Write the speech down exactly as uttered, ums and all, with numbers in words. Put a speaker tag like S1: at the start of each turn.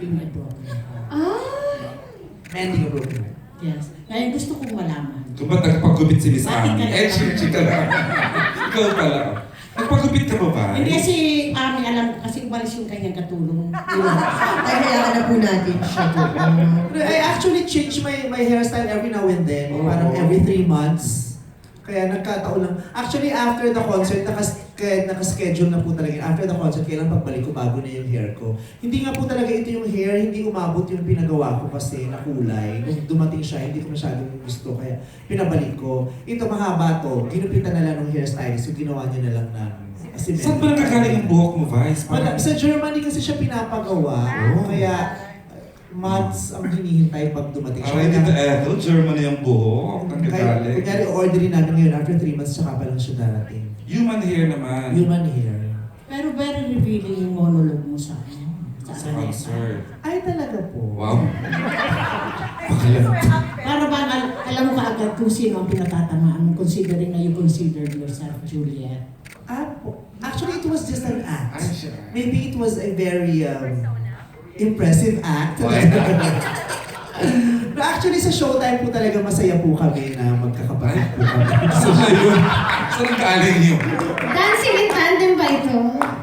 S1: keeping a broken heart.
S2: Ah!
S3: Mending a broken heart.
S1: Yes. Kaya gusto kong malaman.
S4: Kung ba't nagpagupit si Miss
S1: Bakit
S4: Ami?
S1: ka
S4: Eh,
S1: naman?
S4: chika chika lang. Ikaw pala. Nagpagupit ka ba ba?
S1: Hindi kasi Ami alam kasi umalis yung kanyang katulong.
S2: Ay, kailangan na po natin siya po.
S3: I actually change my my hairstyle every now and then.
S4: Oo.
S3: Parang every three months. Kaya nagkataon lang. Actually, after the concert, nakas, kaya nakaschedule na po talaga. yun. After the concert, kailan pagbalik ko, bago na yung hair ko. Hindi nga po talaga ito yung hair, hindi umabot yung pinagawa ko kasi na kulay. Nung dumating siya, hindi ko masyadong gusto. Kaya pinabalik ko. Ito, mahaba to. Ginupitan na lang ng hairstylist. So, ginawa niya na lang ng cement.
S4: Saan ba nagkakaling yung buhok mo, Vice?
S3: Wala,
S4: Parang-
S3: sa Germany kasi siya pinapagawa.
S4: Oh.
S3: Kaya, months ang hinihintay pag dumating siya.
S4: Aray dito, eh, no? Germany yung buhok. Ang
S3: Kaya,
S4: gagaling.
S3: kunyari, orderin namin ngayon, after three months, tsaka pa lang siya darating.
S4: Human hair naman.
S3: Human hair.
S1: Pero very revealing yung monologue mo sa ano, sa
S4: Sa
S1: Araneta.
S4: concert.
S3: Ay, talaga po.
S4: Wow. Pakalan.
S1: Para ba al- alam mo kaagad kung sino ang pinatatamaan mo considering na you considered yourself Juliet?
S3: Ah, po. Actually, it was just an act.
S4: Ay, siya.
S3: Maybe it was a very um, impressive act.
S4: Why?
S3: Pero actually, sa showtime po talaga masaya po kami na magkakapatid po kami.
S4: Saan na yun? Saan galing yun?
S2: Dancing in tandem ba ito?